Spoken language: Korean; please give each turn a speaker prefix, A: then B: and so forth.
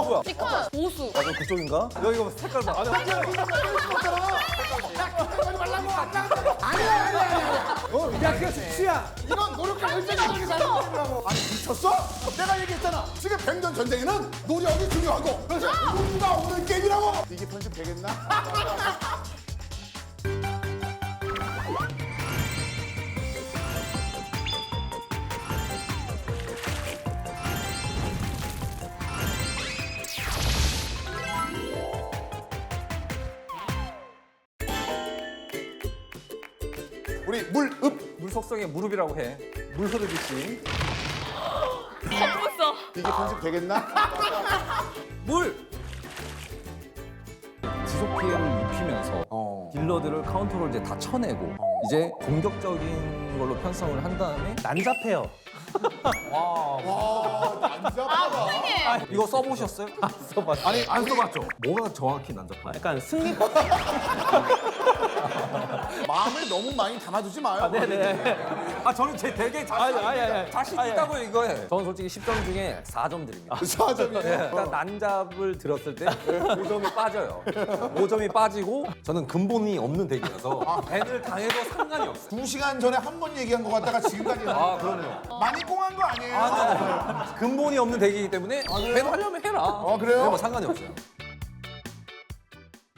A: 누구야?
B: 피카 보수.
A: 너 그쪽인가? 여기 뭐 색깔 봐. 아니,
C: 아니야, 이거 때릴 수 없잖아. 야, 그때 말라고 안 나가. 아니야.
A: 야, 그게 수치야.
C: 이건 노력과 열정이 잘못된다고. 아니, 미쳤어? 내가 얘기했잖아. 지금 백년 전쟁에는 노력이 중요하고 그래서 누가 오는 게임이라고. 이게 편집 되겠나? 우리 물읍.
A: 물 속성에 무릎이라고 해. 물 흐르듯이.
B: 없어.
C: 이게 편집 되겠나?
A: 물! 지속 피해를 입히면서 딜러들을 카운터로 이제 다 쳐내고 이제 공격적인 걸로 편성을 한 다음에 난잡해요.
C: 난잡하다.
B: 아,
A: 이거 써보셨어요? 안 써봤어요. 아니, 안 써봤죠? 뭐가 정확히 난잡해요?
D: 약간 승리
C: 마음을 너무 많이 담아두지 마요.
D: 네네.
A: 아, 저는 되게 자신
D: 아니.
A: 있다고 이거에. 저는 솔직히 10점 중에 4점 드립니다.
C: 4점이에요.
A: 일단 난잡을 들었을 때 5점이 빠져요. 5점이 빠지고 저는 근본이 없는 덱이라서 밴을 당해도 상관이 없어요.
C: 2시간 전에 한 번 얘기한 것 같다가 지금까지
A: 아, 그럼요.
C: 많이 꽁한 거 아니에요?
A: 근본이 없는 덱이기 때문에 밴 하려면 해라.
C: 그래요?
A: 뭐 상관이 없어요.